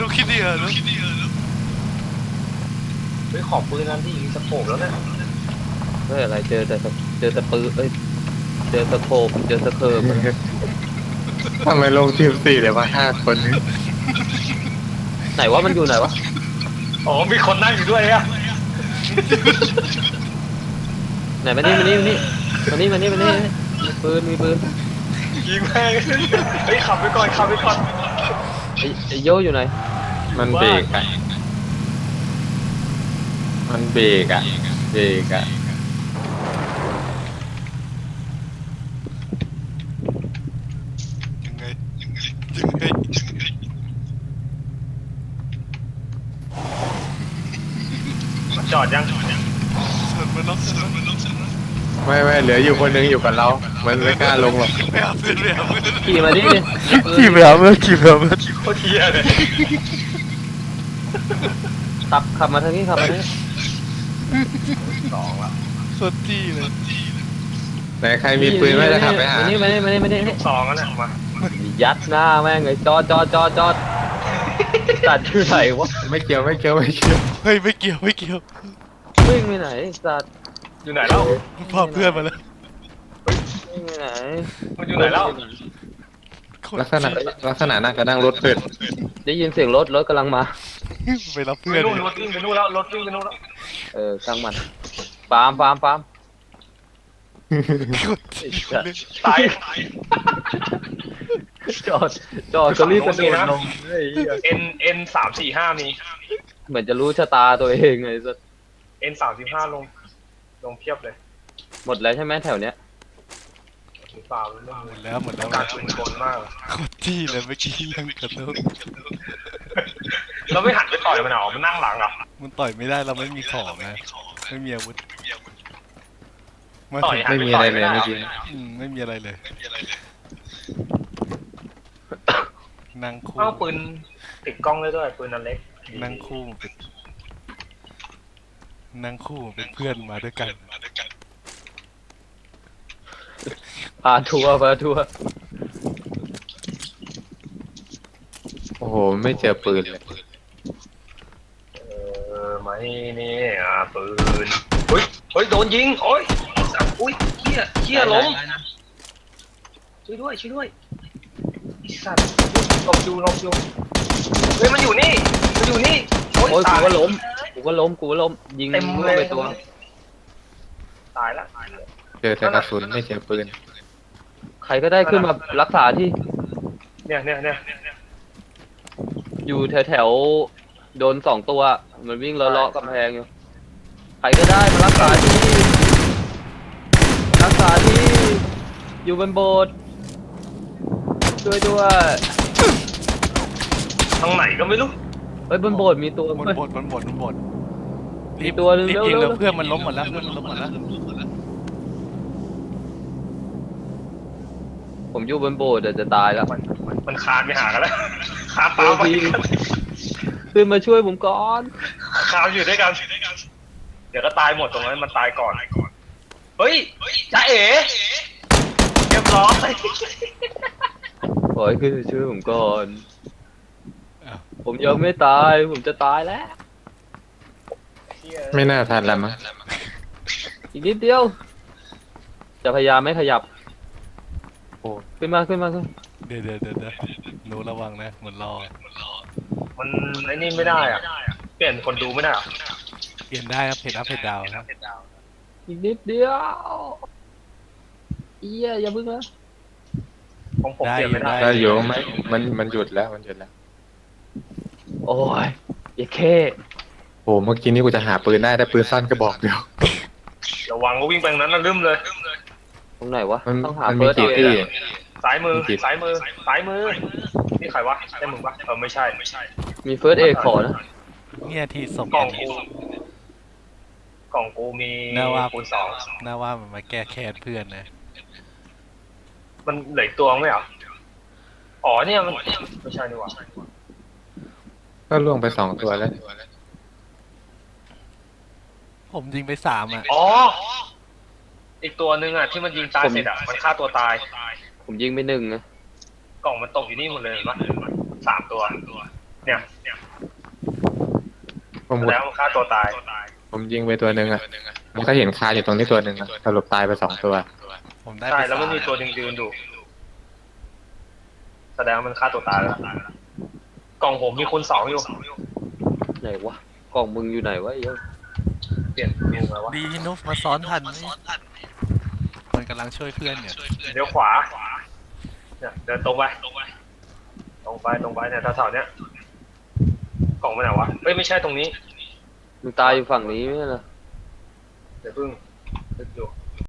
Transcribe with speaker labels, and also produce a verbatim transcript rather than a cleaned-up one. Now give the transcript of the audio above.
Speaker 1: คิดดีเหรอ
Speaker 2: เฮ้ยขอบปืนนั้นที่ยิงสโคปแล้วเนี่ย
Speaker 3: เฮ้ยอะไรเจอแต่เจอแต่ปืนเอ้ยเจอสโคปเจอสเคิร์ม
Speaker 4: ทำไมลงทีมสี่เดี๋ยวมาห้าคนนี้
Speaker 3: ไหนว่ามันอยู่ไหนวะ
Speaker 2: อ๋อมีคนนั่งอยู่ด้วยอะ
Speaker 3: ไหนมานี่มานี่มานี่มานี่มานี่มานี่มีปืนมีปืน
Speaker 2: ยิงแม่งเฮ้ยขับไปก่อนขับไปก่อน
Speaker 3: ไอ้ไอ้โยอยู่ไหน
Speaker 4: มันเบรกอะมันเบรกอะเบรกอะ
Speaker 1: ยังไงยังไงยังไง
Speaker 2: จอดยัง
Speaker 1: เสิร์ฟมาล็อกเสิร์ฟมาล็อกเสิร์ฟมา
Speaker 4: ไม่ไม่เหลืออยู่คนนึงอยู่กับเรา มันไม่กล้าลงหรอก
Speaker 1: ไม่เอาเพื่อนไม่เอาเพื่อน
Speaker 3: ขี่มาดิ
Speaker 4: ขี่ไปเอาเมื่อขี่ไปเอาเมื่อ
Speaker 2: โคตรเทียเลย
Speaker 3: ขับขับมาทางนี้ขับมาทางนี้
Speaker 2: สองละ
Speaker 1: สดจี้เลย
Speaker 4: ไหนใครมีปืนไม่ได้ขับไปหา
Speaker 3: มานี่มานี่มานี่มานี่
Speaker 2: สองแล้วเนี่ยมา
Speaker 3: ยัดหน้าแม่งเลยจอดจอดจอดจอดสัตว์อยู่ไหนวะ
Speaker 4: ไม่เกี่ยวไม่เกี่ยวไม่เกี่ยว
Speaker 1: เฮ้ยไม่เกี่ยวไม่เกี่ยว
Speaker 3: วิ่งไปไหนสัตว์
Speaker 2: อยู่ไหนแล้ว
Speaker 1: พาเพื่อนมาแล้ว
Speaker 3: วิ่งไปไหน
Speaker 2: มันอยู่ไหนแล้ว
Speaker 4: ลักษณะลักษณะน่าจะนั่งรถเพื่อน
Speaker 3: ได้ยินเสียงรถรถกำลังมา
Speaker 1: ไปรับ
Speaker 2: ไป
Speaker 1: เพื่อน
Speaker 2: นู่นรถวิ่งไปนู่นแล้วรถวิ่งไปนู่นแล้ว
Speaker 3: เออช่างมันฟาร์มฟาร์มฟาร์ม
Speaker 1: กดจี้เลย
Speaker 2: ตาย
Speaker 3: จอดจอดก็รีบกระโดดลงเฮ้ย
Speaker 2: เอ็นเอ็นสามสี่ห้ามี
Speaker 3: เหมือนจะรู้ชะตาตัวเองไงสัตว์
Speaker 2: เอ็นสามสิบห้าลงลงเพียบเลย
Speaker 3: หมดแล้วใช่ไหมแถวเนี้ย
Speaker 2: หรือเปล่าไม่
Speaker 1: หม
Speaker 2: รู้
Speaker 1: ดแล้วหมดแล้ว
Speaker 2: การชุมชนมาก
Speaker 1: กดจี้เลยเมื่อกี้ยังกระโดด
Speaker 2: เราไม่หันไปต่อยมันเหรอมันนั่งหลังเหรอ
Speaker 1: มันต่อยไม่ได้เราไม่มีของนะไม่มีอาวุธมา
Speaker 2: ต่อย
Speaker 1: ถึง
Speaker 2: หัน
Speaker 4: ไม่
Speaker 2: ป
Speaker 4: มี
Speaker 2: ต่
Speaker 4: อะไร
Speaker 2: ย
Speaker 4: เลย
Speaker 2: ด้
Speaker 4: เมื่อกี้
Speaker 1: อืมไม่มีอะไรเลยนั่งคู่
Speaker 2: อ้าวปืนติดกล้องได้ด้วยปืนอันเล็ก
Speaker 1: นั่งคู่เป็นนั่งคู่เป็นเพื่อนมาด้วยกัน
Speaker 3: พาทัวร์พาทัวร์
Speaker 4: โอ้โหไม่เจอปืนเลย
Speaker 2: เออไม่นี่อ่ะปืนเฮ้ยเฮ้ยโดนยิงโอ้ยสัตว์อุ้ยเหี้ยเหี้ยล้มช่วยด้วยช่วยด้วยไอ้สัตว์หลบอยู่หลบอยู่เฮ้ยมันอยู่นี่มันอยู่นี่โอ้ย
Speaker 3: โอ้ย
Speaker 2: ตา
Speaker 3: กู
Speaker 2: ย
Speaker 3: ก็ล้มกูก็ล้มกูก็ล้มยิง
Speaker 2: เต็ม
Speaker 3: มั่ว
Speaker 2: เลย
Speaker 3: ไปตัว
Speaker 2: ตายละตายละ
Speaker 4: เจอแต่กระสุนไม่เจอปืน
Speaker 3: ใครก็ได้ขึ้นมารักษาที่
Speaker 2: เนี่ยเนี่ยเนี่ย
Speaker 3: อยู่แถวแถวๆโดนสองตัวมันวิ่งเลาะๆกำแพงอยู่ใครก็ได้มารักษาที่รักษาที่อยู่บนโบสถ์ช่วยด้วย
Speaker 2: ทางไหนก็ไม่รู้
Speaker 3: เฮ้ยบนโบสถ์มีตัว
Speaker 1: บน
Speaker 3: เฮ้ย
Speaker 1: บดบนบดบนบด
Speaker 3: มีตัวหนึ่ง
Speaker 1: รีบ
Speaker 3: เร็ว
Speaker 1: ยิง
Speaker 3: เร็
Speaker 1: แล้ว วเพื่อนมันล้มหมดแล้วเพื่อนมันล้มหมดแล้ว
Speaker 3: ผมอยู่บนโบสถ์เดี๋ยวจะตายแล้ว
Speaker 2: มันมันมันคานไปหากันแล้วคานตามไป
Speaker 3: ขึ้นมาช่วยผมก่อน
Speaker 2: คานอยู่ด้วยกันเดี๋ยวก็ตายหมดตรงนั้นมันตายก่อนเฮ้ยจ้าเอ๋เรียบร้อย
Speaker 3: ขอให้ขึ้นมาช่วยผมก่อน
Speaker 1: อ้าว
Speaker 3: ผมยังไม่ตาย ผมจะตายแล้ว
Speaker 4: ไม่น่าทันแล้วมั้ง
Speaker 3: อีกนิดเดียว จะพยายามไม่ขยับ
Speaker 4: โอ้
Speaker 3: ขึ้นมาขึ้นมาขึ้น
Speaker 1: เดี๋ยวเดี๋ยวเดี๋ยวเดี๋ยวหนูระวังนะเหมือนรอ
Speaker 2: มันไอ้นี่ไม่ได้อะเปลี่ยนคนดูไม่ได้อะ
Speaker 1: เปลี่ยนได้ครับเพจอัพเพจดาวครับ
Speaker 3: อีกนิดเดียวเอี้ยอย่าพึ่งนะ
Speaker 2: ของผมเปลี่ยนไม่ได้
Speaker 4: ได้อยู่ไหมมันมันหยุดแล้วมันหยุดแล้ว
Speaker 3: โอ้ยอย่าแค่
Speaker 4: โอ้เมื่อกี้นี้กูจะหาปืนได้ได้ปืนสั้นกระบอกเดียว
Speaker 2: ระวังก็วิ่งไปทางนั้นนะลืมเลย
Speaker 3: ตรงไหนวะ
Speaker 4: มัน
Speaker 3: ต้องหา
Speaker 4: มันมี
Speaker 3: เฟิร์ส
Speaker 4: กี่
Speaker 3: เอ
Speaker 4: ที่
Speaker 2: ซ้ายมือ
Speaker 4: มีกี่
Speaker 2: ซ้ายมือซ้ายมือนี่ใครวะใช่มึงปะเออไม่ใช่ไม่ใช่
Speaker 3: มีเฟิร์สเอขอนะ
Speaker 1: เนี่ยที่ส่ง
Speaker 2: กล่อง
Speaker 1: อันนี้
Speaker 2: กูกล่องกูมี
Speaker 1: น่าว่า
Speaker 2: คูณสอง
Speaker 1: น่าว่ามันมาแก้แค้นเพื่อนนะ
Speaker 2: มันเหลืออกตัวไหมเหรออ๋อเนี่ยมันไม่ใช่นี่หว่า
Speaker 4: ก็ล่วงไปสองตัวแล้ว
Speaker 1: ผมยิงไปสามอ่ะ
Speaker 2: อ๋ออีกตัวหนึ่งอ่ะที่มันยิงตายเสร็จอ่ะมันฆ่าตัวตาย
Speaker 3: ผมยิงไปหนึ่งนะ
Speaker 2: กล่องมันตกอยู่นี่หมดเลยเห็นปะสามตัวเนี่ย
Speaker 4: ผม
Speaker 2: แล้วมันฆ่าตัวตาย
Speaker 4: ผมยิงไปตัวหนึ่งอ่ะมันก็เห็นคาอยู่ตรงนี้ตัวหนึ่งอะสรุปตายไปสองตัว
Speaker 1: ผมได้
Speaker 2: ใช่
Speaker 1: ไป
Speaker 2: แล้วมัน
Speaker 1: สา
Speaker 2: มีตัวหนึ่งยืนดูแสดงว่ามันฆ่าตัวตายแล้วกล่องผมมีคูณสองอยู่
Speaker 3: ไหนวะกล่องมึงอยู่ไหนวะไอ้เหี้ย
Speaker 2: เปลี่ยนดูมาวะ
Speaker 1: ดีที่นุ๊กมาซ้อนทันนี่มันกำลังช่วยเพื่อนเนี่ย
Speaker 2: เดี๋ยวขวาเนี่ยเดินตรงไปตรงไปตรงไปตรงไปเนี่ยแถวๆเนี้ยกล่องมันไหนวะเฮ้ยไม่ใช่ตรงนี้
Speaker 3: มึงตายอยู่ฝั่งนี้ไม่ใช่เหรอ
Speaker 2: เดี๋ยวพึ่งนึกอยู่